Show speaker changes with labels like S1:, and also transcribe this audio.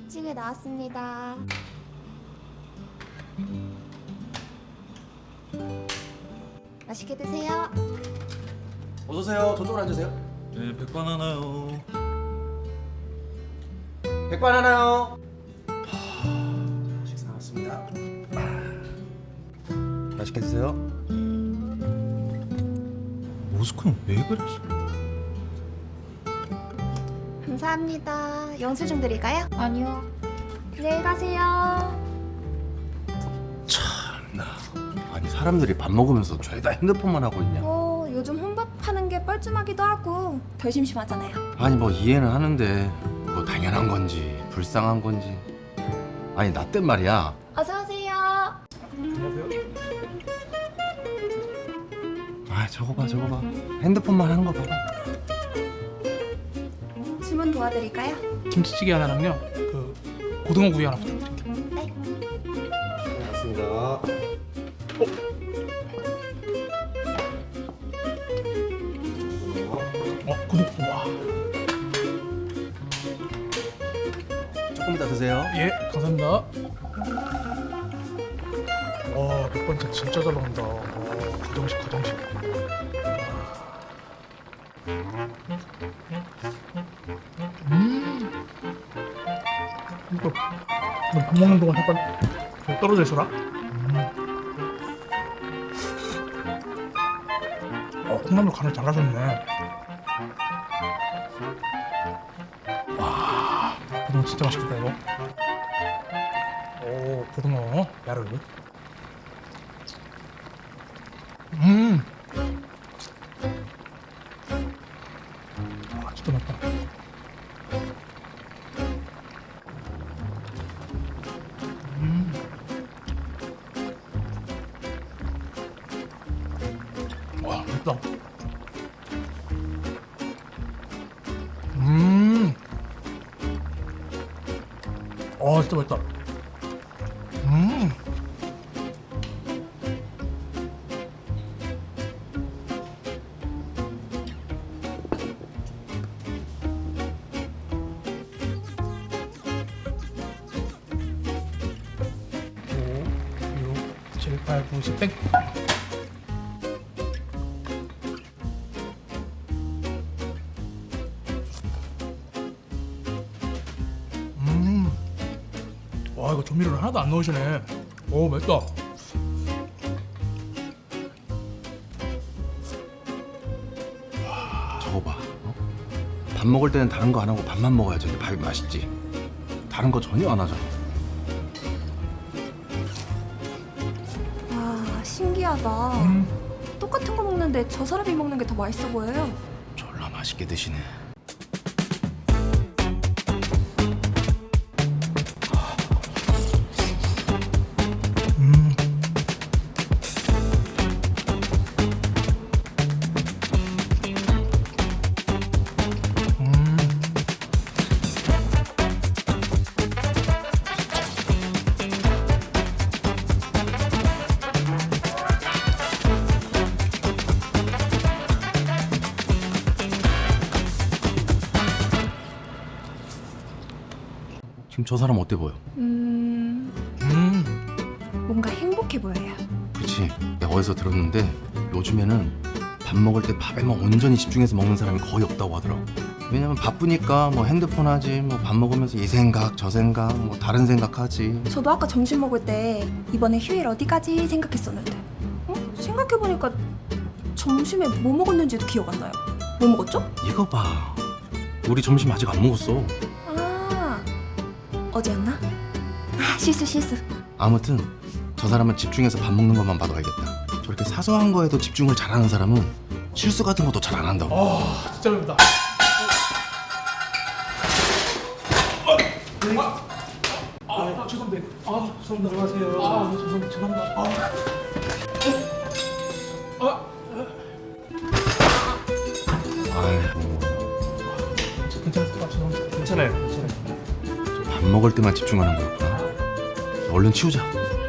S1: 찌개 나왔습니다. 맛있게 드세요.
S2: 어서 오세요. 저쪽으로 앉으세요.
S3: 네, 백반 하나요.
S2: 백반 하나요. 식사 나왔습니다. 맛있게 드세요.
S3: 모스크는 왜 그래?
S1: 감사합니다. 영수증 드릴까요? 아니요. 안녕히 가세요.
S2: 참나. 아니 사람들이 밥 먹으면서 죄다 핸드폰만 하고 있냐.
S1: 요즘 혼밥하는 게 뻘쭘하기도 하고 덜 심심하잖아요.
S2: 아니 뭐 이해는 하는데 뭐 당연한 건지 불쌍한 건지. 아니 나 땐 말이야.
S1: 어서 오세요.
S2: 아 저거 봐 저거 봐. 핸드폰만 하는 거 봐봐.
S1: 주문 도와드릴까요?
S4: 김치찌개 하나랑요. 그 고등어 구이 하나 부탁드릴게요.
S1: 네.
S2: 맞습니다.
S4: 고등어. 와.
S2: 조금 이따 드세요.
S4: 예, 감사합니다. 와, 백반짜 진짜 잘 나온다. 가정식. 이거 밥 먹는 동안 잠깐 좀 떨어져 있어라. 콩나물 간을 잘라줬네. 와, 고등어 진짜 맛있겠다 이거. 오, 고등어 야를. 와, 진짜 맛있다. 와, 맛있다. 진짜 맛있다. 오, 6, 7, 8, 9, 10, 땡. 와, 이거 조미료를 하나도 안 넣으시네. 오, 맵다.
S2: 저거 봐. 어? 밥 먹을 때는 다른 거 안 하고 밥만 먹어야지 밥이 맛있지. 다른 거 전혀 안 하잖아.
S1: 와, 신기하다. 똑같은 거 먹는데 저 사람이 먹는 게 더 맛있어 보여요.
S2: 졸라 맛있게 드시네. 지금 저 사람 어때 보여?
S1: 뭔가 행복해 보여요.
S2: 그치? 내가 어디서 들었는데 요즘에는 밥 먹을 때 밥에만 온전히 집중해서 먹는 사람이 거의 없다고 하더라고. 왜냐면 바쁘니까 뭐 핸드폰 하지, 뭐 밥 먹으면서 이 생각 저 생각 뭐 다른 생각하지.
S1: 저도 아까 점심 먹을 때 이번에 휴일 어디 가지 생각했었는데 생각해보니까 점심에 뭐 먹었는지도 기억 안 나요. 뭐 먹었죠?
S2: 이거 봐. 우리 점심 아직 안 먹었어.
S1: 아, 어제였나? 실수.
S2: 아무튼 저 사람은 집중해서 밥 먹는 것만 봐도 알겠다. 저렇게 사소한 거에도 집중을 잘하는 사람은 실수 같은 것도 잘 안 한다고.
S4: 진짜 맵다. 죄송합니다. 죄송합니다. 들어가세요. 죄송합니다.
S2: 아이고.
S4: 괜찮습니다. 죄송합니다. 괜찮아요.
S2: 밥 먹을 때만 집중하는 거였구나. 얼른 치우자.